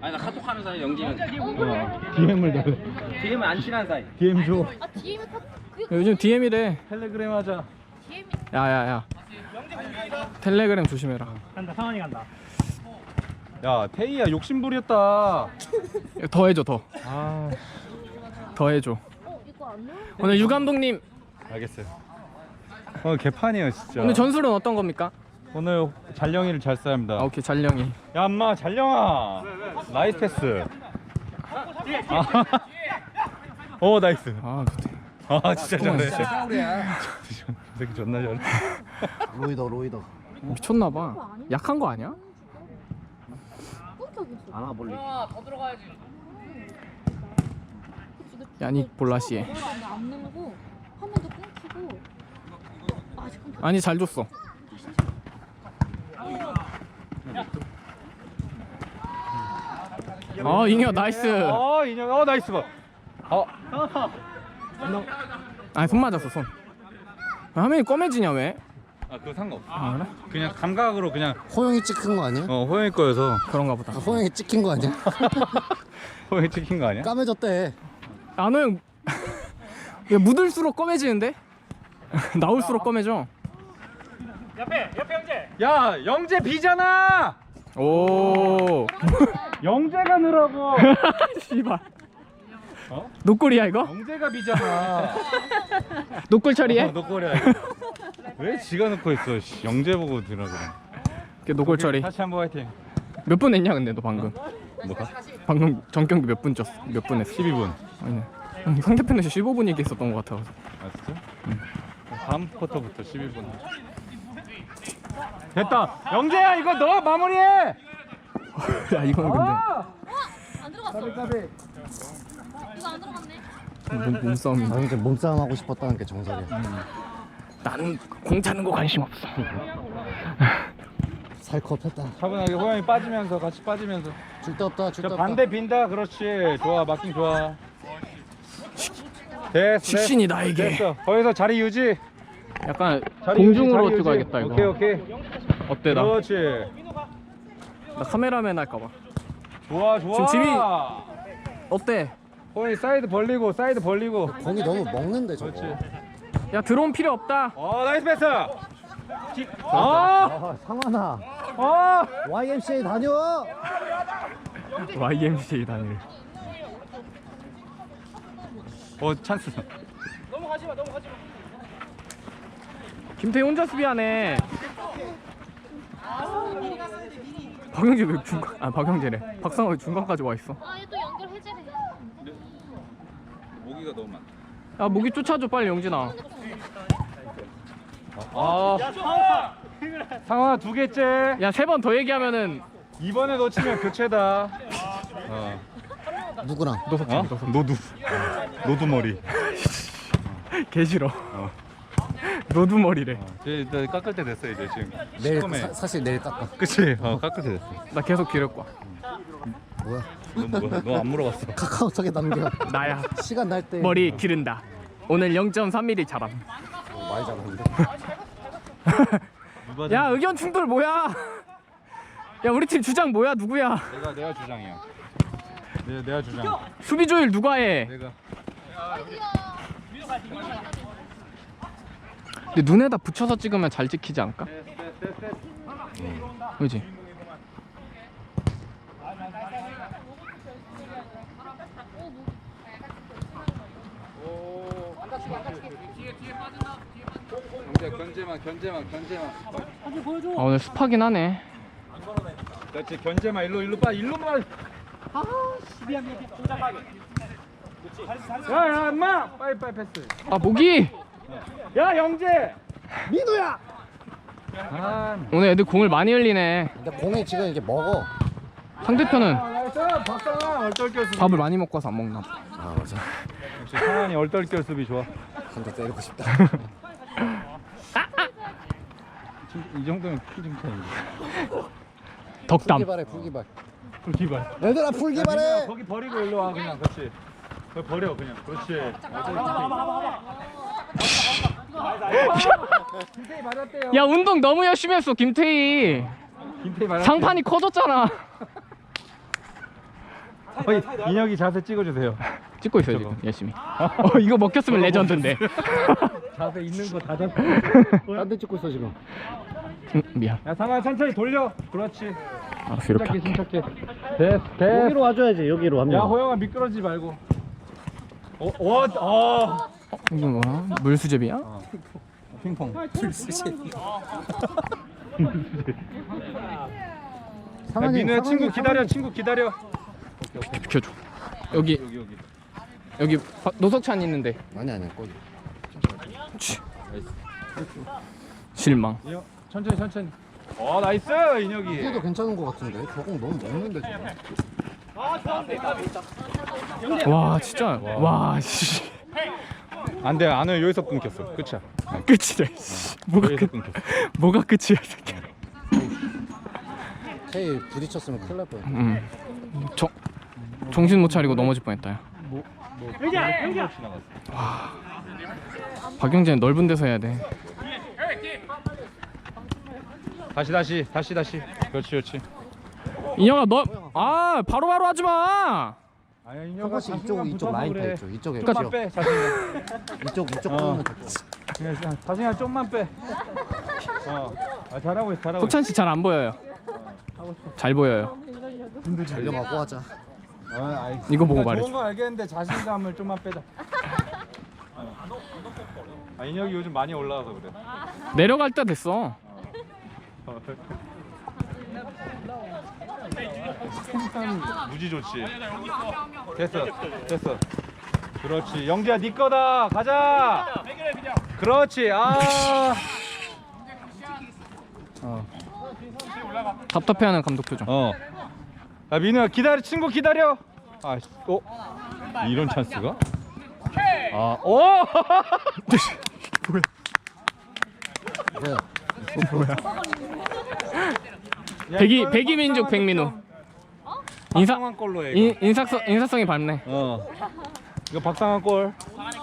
아니 나 카톡 하는 사이 영지면 DM을 달래. DM은 안 친한 사이. DM 줘. 아 DM이 요즘 DM이래. 텔레그램 하자. DM이 야야야. 텔레그램 조심해라. 간다. 상환이 간다. 야 태희야 욕심부렸다. 더 해줘 더. 아 더 해줘. 이거 안 넣어? 오늘 유 감독님 알겠어요. 오늘 개판이에요 진짜. 오늘 전술은 어떤 겁니까? 오늘 잘령이를 잘 써야 합니다. 아, 오케이 잘령이. 야 엄마 잘령아. 나이스 패스. 오 나이스. 아 그때. 아 진짜 잘해. 싸우랴. 저 새끼 존나 잘해. 로이더. 미쳤나봐. 약한 거 아니야? 끊겨겠어. 안아 볼리. 야닉 볼라시에. 안 누르고 화면도 끊기고. 아 지금 아니 잘 줬어. 아 잉여 나이스. 인형 나이스 봐. 아니 손 맞았어 손. 화면이 검해지냐 왜? 아 그거 상관없어. 아 그래? 그냥 감각으로 그냥 호영이 찍힌 거 아니야? 호영이 거여서. 그런가 보다. 호영이 찍힌 거 아니야? 호영이 찍힌 거 아니야? 까매졌대. 안호 형. 야, 묻을수록 검해지는데? 나올수록 검해져. 옆에 영재. 야 영재 비잖아. 오. 영재가 넣으라고. 씨발. 어? 노골이야 이거? 영재가 비잖아. 노골 처리해? 너 거야 이거. 왜 지가 넣고 있어? 씨, 영재 보고 들어 그래. 노골 처리. 다시 한번 화이팅. 몇 분 했냐 근데 너 방금? 뭐가? 방금 전 경기 몇 분 쪘어? 몇 분 했어? 12분. 아니네. 상대편에서 15분 얘기했었던 것 같아서. 아 진짜? 다음 쿼터부터 12분. 됐다. 영재야 이거 너 마무리해. 야 이거는 근데 안 들어갔어. 이거 안 들어갔네. 몸싸움이. 아 이제 몸싸움 하고 싶었다는 게 정석이야. 나는 공 차는 거 관심 없어. 살컵했다. 차분하게 호영이 빠지면서 같이 빠지면서. 줄 데 없다. 줄 데 저 없다. 반대 빈다. 그렇지. 좋아 마킹 좋아. 됐어. 식신이 나에게. 됐어. 거기서 자리 유지. 약간 자리 공중으로 유지, 자리 찍어야겠다 유지. 이거. 오케이. 어때 나? 그렇지. 나 카메라맨 할까봐. 좋아. 지금 집이- 어때? 호영이 사이드 벌리고 공이 너무 먹는데 저거. 그렇지. 야 드론 필요 없다. 나이스 패스. 아 상환아. YMCA 다녀. YMCA 단일. 찬스. 김태희 혼자 수비하네. 박영재 왜 중간? 아 박영재래. 박상호 왜 중간까지 와 있어? 아 얘 또 연결 해제래. 모기가 너무 많아. 야 목이 쫓아줘 빨리 영진아. 상황 2개째. 야 3번 더 얘기하면은 이번에 놓치면 교체다. 누구랑? 노두 머리. 개 싫어. 노두머리래. 이제 일단 깎을 때 됐어 이제 지금. 내일 시커매. 사실 내일 깎아. 그치? 깎을 때 됐어. 나 계속 기를 거야. 뭐야? 너 안 물어봤어. 카카오톡에 남겨. 나야. 시간 날 때. 머리 기른다. 오늘 0.3mm 자람. 많이 잡았는데. 야 의견 충돌 뭐야? 야 우리 팀 주장 뭐야 누구야? 내가 주장이야. 내가 주장. 수비 조율 누가 해? 내가. 근데 눈에다 붙여서 찍으면 잘 찍히지 않을까? 그지? 견제만. 아 오늘 습하긴 하네. 그렇지 견제만 일로만. 미안. 동작하게. 야 엄마 빨리 패스. 아 목이! 야 영재. 민우야. 오늘 애들 공을 많이 흘리네. 근데 공이 지금 이게 먹어. 상대편은 나이스 박상아 얼떨결 수비. 밥을 많이 먹고 와서 안 먹나 봐. 아 맞아. 역시 상환이 얼떨결 수비 좋아. 한 대 때리고 싶다. 이 정도면 키좀 차이. 덕담. 풀기발해 풀기발. 기발. 얘들아 풀기발해. 거기 버리고 일로 와 그냥 그렇지. 거기 버려 그냥 그렇지. 김태희 맞았대요. 야 운동 너무 열심히 했어 김태희. 김태희 맞았대. 상판이 커졌잖아. 인혁이 자세 찍어주세요. 찍고 있어요 지금 열심히. 이거 먹혔으면 레전드인데. 자세 있는 거 다 잡고. 딴데 찍고 있어 지금. 미안. 야 상아 천천히 돌려. 그렇지. 알았어 이렇게 할게. 침착해. 됐어. 여기로 와줘야지 여기로 한 야 명. 호영아 미끄러지지 말고. 이게 뭐야? 물수제비야? 핑퐁. 야, 민우야 친구 기다려. 친구 기다려. 비켜줘. 여기 여기. 노석찬 있는데. 아니 거기. 실망. 인혁 천천히. 나이스 인혁이. 이게도 괜찮은 거 같은데. 저공 너무 먹는데 지금. 와 진짜. 와 씨. 안돼 안해 여기서 끊겼어. 끝이야. 끝이래. 씨. 뭐가 여기서 끝? 끊겼어. 뭐가 끝이야 이 새끼. 테이 부딪혔으면 큰일 날 뻔했다. 정신 못 차리고 넘어질 뻔했다. 야. 여기야. 박영재는 넓은 데서 해야 돼. 다시. 그렇지. 인혁아 너 바로바로 하지 마. 아니야 한 인혁아 번씩 이쪽 라인 타 있죠. 이쪽에 좀만 빼 자신감. 이쪽 보면 좋겠어. 그냥 자신감 좀만 빼. 잘하고 있어. 석찬 씨 잘 안 보여요. 잘 보여요. 달려가고 하자. 이거 보고 그러니까 말해줘. 좋은 거 알겠는데 자신감을 좀만 빼자. 인혁이 요즘 많이 올라와서 그래. 내려갈 때 됐어. 무지 좋지. 됐어. 그렇지. 영재야 네 거다. 가자. 그렇지. 답답해하는 감독 표정. 야 민우야 기다려. 친구 기다려. 이런 찬스가? 뭐야? 백이민족 백민우. 박상환 골로 해. 이거. 인사성이 밝네. 이거 박상환 골.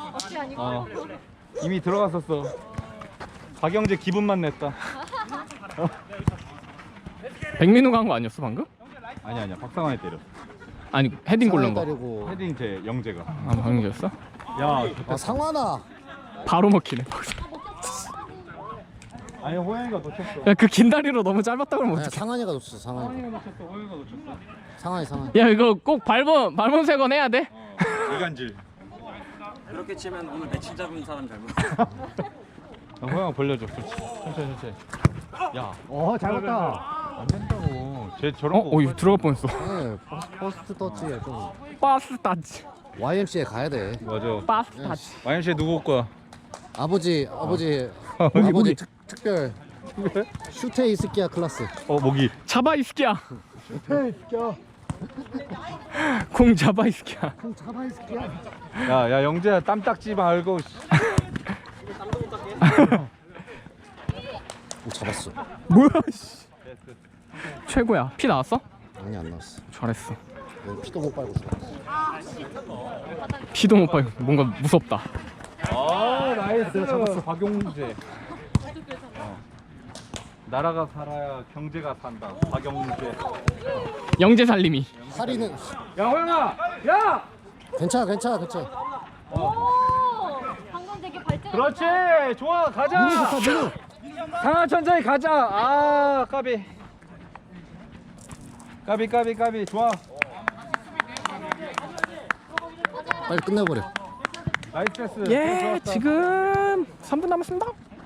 이미 들어갔었어. 박영재 기분만 냈다. 백민우가 한 거 아니었어 방금? 아니야 박상환이 때렸어. 아니 헤딩 골른 거. 따르고. 헤딩 제 영재가. 박영재였어? 야 상환아. 바로 먹히네. 아니 호영이가 놓쳤어. 야 그 긴 다리로 너무 짧았다 그러면 아니야, 어떡해. 상환이가 놓쳤어. 상환이. 놓쳤어. 호영이가 놓쳤어. 상환이. 야 이거 꼭 발본 세건 해야 돼. 이간질. 그렇게 치면 오늘 며칠 잡은 사람 잘못. 호영아 벌려줘. 그렇지. 천천히. 야. 잘 봤다. 안 된다고. 쟤 저런 거. 이거 들어갈 뻔했어. 네, 퍼스트 터치에 좀 빠스 타치. YMCA 가야 돼. 맞아. 빠스 타치. YMCA 누구 올 거야? 아버지 특별 슈테 이스키야 클래스. 모기. 잡아 이스키야. 슈테 이스키야. 공 잡아 이스키야. 형 잡아 이스키야. 야 영재야 땀 닦지 말고. 오 잡았어. 뭐야 씨. 최고야. 피 나왔어? 아니 안 나왔어. 잘했어. 너 피도 못 빨고 죽었어. 피도 못 빨고 뭔가 무섭다. 나이스. 잡았어. 박용재. 나라가 살아야 경제가 산다. 박용재. 영재 살림이. 사리는 야 호영아. 야. 괜찮아. 오, 방금 되게 발전. 그렇지. 좋아. 가자. 민우 좋다 민우. 상하 천천히 가자. 까비. 좋아. 빨리 끝내버려. 나이스 패스. 예 좋았어. 지금 3분 남았습니다.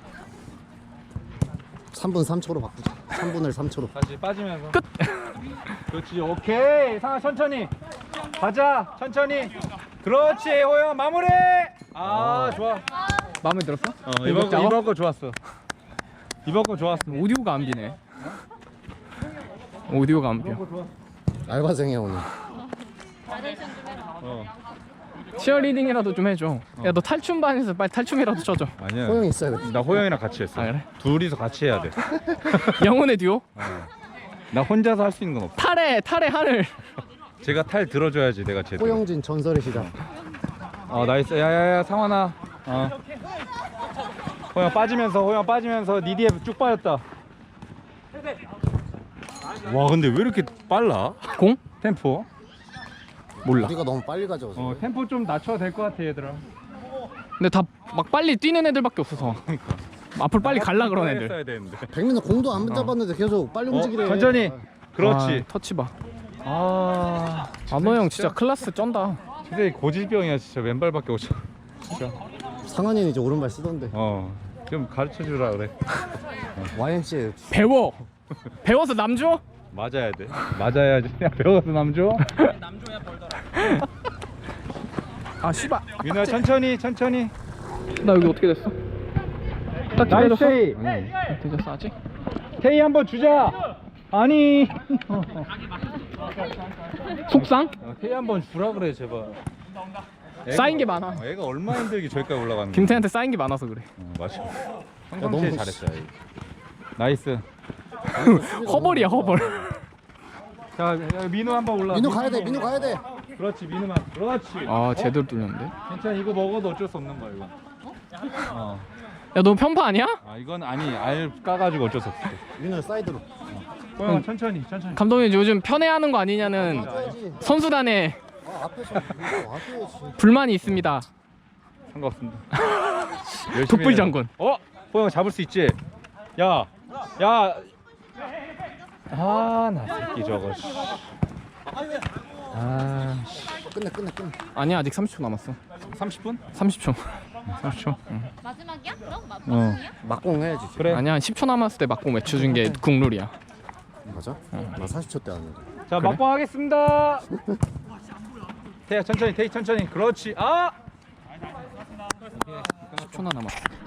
3분 3초로 바꾸자. 3분을 3초로. 다시 빠지면서 끝. 그렇지. 오케이. 상하 천천히 가자. 천천히. 그렇지. 호영 마무리. 좋아. 마음에 들었어? 이번 거 좋았어. 오디오가 안 비네. 오디오가 안 비어. 알바생이야 오늘. 나레이션 좀 해라. 치어리딩이라도 좀 해줘. 야 너 탈춤반에서 빨리 탈춤이라도 쳐줘. 아니야. 호영이 있어야 돼. 나 호영이랑 같이 했어. 아, 그래? 둘이서 같이 해야 돼. 영혼의 듀오? 나 혼자서 할 수 있는 건 없어. 탈의 하늘. 제가 탈 들어줘야지 내가 제대로. 호영진 전설의 시작. 나이스. 야야야 상환아. 호영 빠지면서 니 뒤에 쭉 빠졌다. 와 근데 왜 이렇게 빨라? 공? 템포. 몰라. 우리가 너무 빨리 가져와서. 템포 좀 낮춰도 될 것 같아 얘들아. 근데 다 막 빨리 뛰는 애들밖에 없어서 앞으로 빨리 갈라 그런 애들. 했어야 되는데. 백민은 공도 안 잡았는데 계속 빨리 움직이래. 천천히. 그렇지. 아, 터치 봐. 아, 안호 형 진짜 클래스 쩐다. 진짜 고질병이야 진짜. 왼발밖에 못 쳐. 진짜. 상한이는 이제 오른발 쓰던데. 좀 가르쳐 주라 그래. YMCA 배워서 남 줘? 맞아야 돼. 맞아야지. 야, 배워서 남줘. 아 씨발. 민호야 천천히. 나 여기 어떻게 됐어? 딱 나이스 기다렸어? 테이. 아니, 되졌어 아직? 테이 한번 주자. 아니. 속상? 테이 한번 주라 그래 제발. 쌓인 게 많아. 애가 얼마나 힘들게 저기까지 올라가는 거야. 김태한테 쌓인 게 많아서 그래. 맞아. 너무 평상시에 잘했어요. 나이스. 허벌이야 허벌. 자, 야, 민호 한번 올라. 민호 가야 돼. 민호 가야 돼. 그렇지, 민호만. 그렇지. 아 제대로 뚫렸는데? 괜찮아, 이거 먹어도 어쩔 수 없는 거야 이거. 야 너 편파 아니야? 이건 아니, 알 까가지고 어쩔 수 없어. 민호 사이드로. 형 천천히. 감독님 요즘 편애하는 거 아니냐는 가야지. 선수단에 앞에서 이거 와줘야지. 불만이 있습니다. 상관없습니다. 독불 장군. 호영 잡을 수 있지? 야. 나 새끼 저거. 끝내. 아니야 아직 30초 남았어. 30분? 30초. 30초. 마지막이야? 그럼 마지막이야? 막공 해야지. 그래. 아니야 10초 남았을 때 막공 외쳐준 게 국룰이야. 맞아? 나 40초 때 왔는데. 자, 그래? 막방 하겠습니다. 태야 천천히. 그렇지. 10초나 남았어.